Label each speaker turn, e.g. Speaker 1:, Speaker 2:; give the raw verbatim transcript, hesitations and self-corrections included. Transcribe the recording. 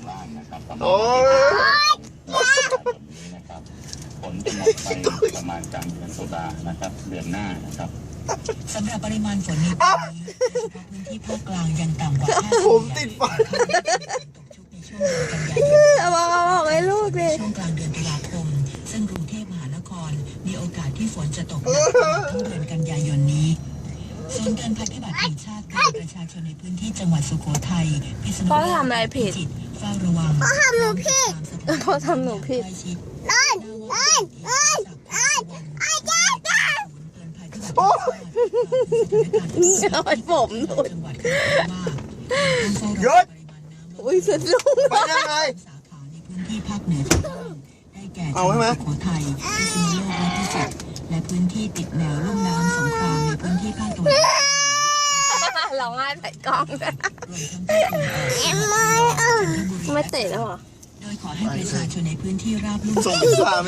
Speaker 1: ล่างนะครับประมาณ
Speaker 2: โอ้ย
Speaker 1: นี้นะครับฝนจะหมดไปประมาณกลางเดือนตุลานะครับเดือนหน้านะครับสำหรับปริมาณฝนในปีนี้โดยเฉพาะพื้นที่ภาคกลางยังต่ำกว่าห้าสิบ
Speaker 2: ผมติดไฟ
Speaker 1: ตกชุกในช่วงเดือนกันยายน
Speaker 3: เอาบอกเอาบอกให้ลูกเลย
Speaker 1: ช่วงกลางเดือนตุลาคมซึ่งกรุงเทพมหานครมีโอกาสที่ฝนจะตกหนักตลอดทั้งเดือนกันยายนนี้ศูนย์การภัยพิบัติแห่งชาติเตือนประชาชนในพื้นที่จังหวัดสุโขทัยพิษณุโลก
Speaker 3: พ่อทำอะไรผิด
Speaker 1: พิจิตรเฝ้าระวัง
Speaker 3: พ่อทำหนูผิดพ่อทำหนูผิด
Speaker 1: นั่นนั่นนั่นนั่นไอ้เจ้าโอ้
Speaker 3: เอาไอ้ผมหลุด
Speaker 2: หยุด
Speaker 3: อุ้ยสะดุ้ง
Speaker 2: ไปยังไง
Speaker 1: สาขาในพื้นที่ภาคเหนือตอนล่างได้แก่จั
Speaker 2: เอา
Speaker 1: งห
Speaker 2: ใช่ไหม
Speaker 1: วัดสุโขทัยพิษณุโลกและพิจิตรและพื้นที่ติดแนวลุ่มน้ำสงครามในพื้นที่ภาคตะวันออก
Speaker 3: ร้องไห้ใส่กล้อง
Speaker 1: รวมทั้งภาคตะวันออกจันทบุรี
Speaker 3: ไม่เตะแล้วเหรอ
Speaker 1: โดยขอให้ประชาชนในพื้นที่ราบลุ่ม
Speaker 2: ส่งพิซซ่า